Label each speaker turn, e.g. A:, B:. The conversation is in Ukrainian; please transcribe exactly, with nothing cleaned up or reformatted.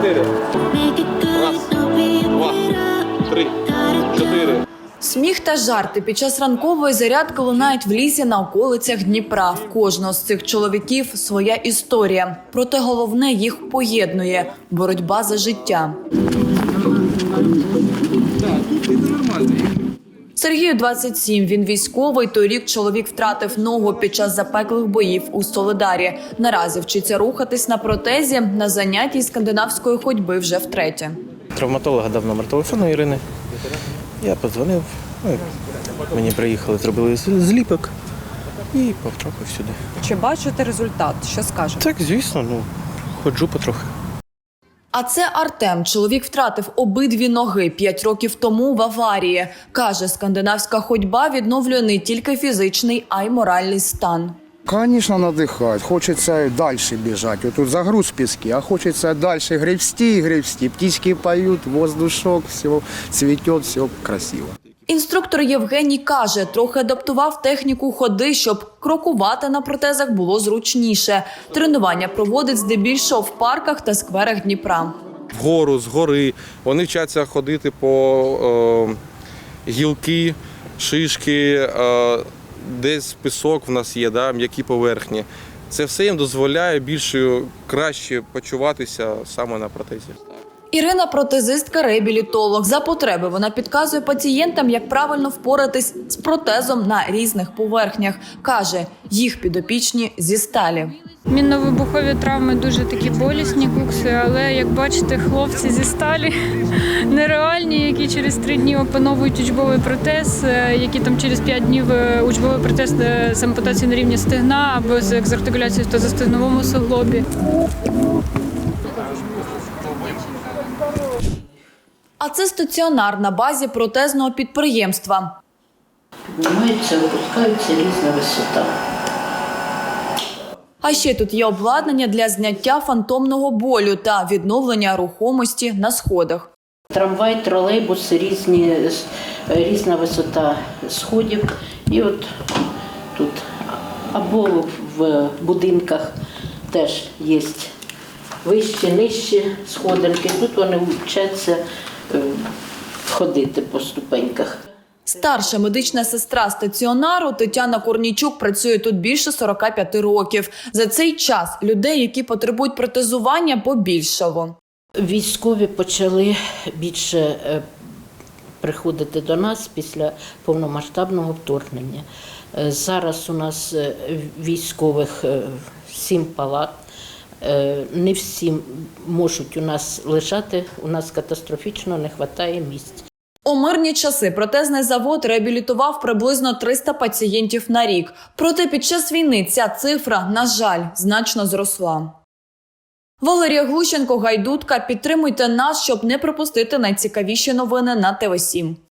A: чотири. Раз, два, три, чотири.
B: Сміх та жарти під час ранкової зарядки лунають в лісі на околицях Дніпра. В кожного з цих чоловіків своя історія. Проте головне їх поєднує – боротьба за життя. Сергію двадцять сім. Він військовий. Торік чоловік втратив ногу під час запеклих боїв у Солидарі. Наразі вчиться рухатись на протезі, на занятті скандинавської ходьби вже втретє.
C: Травматолога дав номер телефону Ірини. Я подзвонив, ну, мені приїхали, зробили зліпок і потрапив сюди.
D: Чи бачите результат? Що скажете?
C: Так, звісно, ну, ходжу потрохи.
B: А це Артем. Чоловік втратив обидві ноги п'ять років тому в аварії. Каже, скандинавська ходьба відновлює не тільки фізичний, а й моральний стан.
E: Конечно, надихать. Хочется дальше бежать. Вот тут загруз в песке, а хочется дальше гребсти и гребсти. Птички поют, воздушок, все цветет, все красиво.
B: Інструктор Євгеній каже, трохи адаптував техніку ходи, щоб крокувати на протезах було зручніше. Тренування проводить здебільшого в парках та скверах Дніпра.
A: Вгору, згори. Вони вчаться ходити по е, гілки, шишки, е, десь пісок в нас є, да, м'які поверхні. Це все їм дозволяє більше, краще почуватися саме на протезі.
B: Ірина – протезистка-реабілітолог. За потреби вона підказує пацієнтам, як правильно впоратись з протезом на різних поверхнях. Каже, їх підопічні зі сталі.
F: Мінно-вибухові травми дуже такі болісні кукси, але, як бачите, хлопці зі сталі нереальні, які через три дні опановують учбовий протез, які там через п'ять днів учбовий протез з ампутацією на рівні стегна або з екзартикуляцією в тазостегновому суглобі.
B: А це стаціонар на базі протезного підприємства.
G: Піднімаються, опускаються, різна висота.
B: А ще тут є обладнання для зняття фантомного болю та відновлення рухомості на сходах.
G: Трамвай, тролейбус, різні, різна висота сходів. І от тут або в будинках теж є вищі, нижчі сходинки. Тут вони вчаться ходити по ступеньках.
B: Старша медична сестра стаціонару Тетяна Корнійчук працює тут більше сорока п'яти років. За цей час людей, які потребують протезування, побільшало.
G: Військові почали більше приходити до нас після повномасштабного вторгнення. Зараз у нас військових сім палат. Не всі можуть у нас лежати, у нас катастрофічно не вистачає місць.
B: У мирні часи протезний завод реабілітував приблизно триста пацієнтів на рік. Проте під час війни ця цифра, на жаль, значно зросла. Валерія Глущенко, Гайдутка. Підтримуйте нас, щоб не пропустити найцікавіші новини на Т В сім.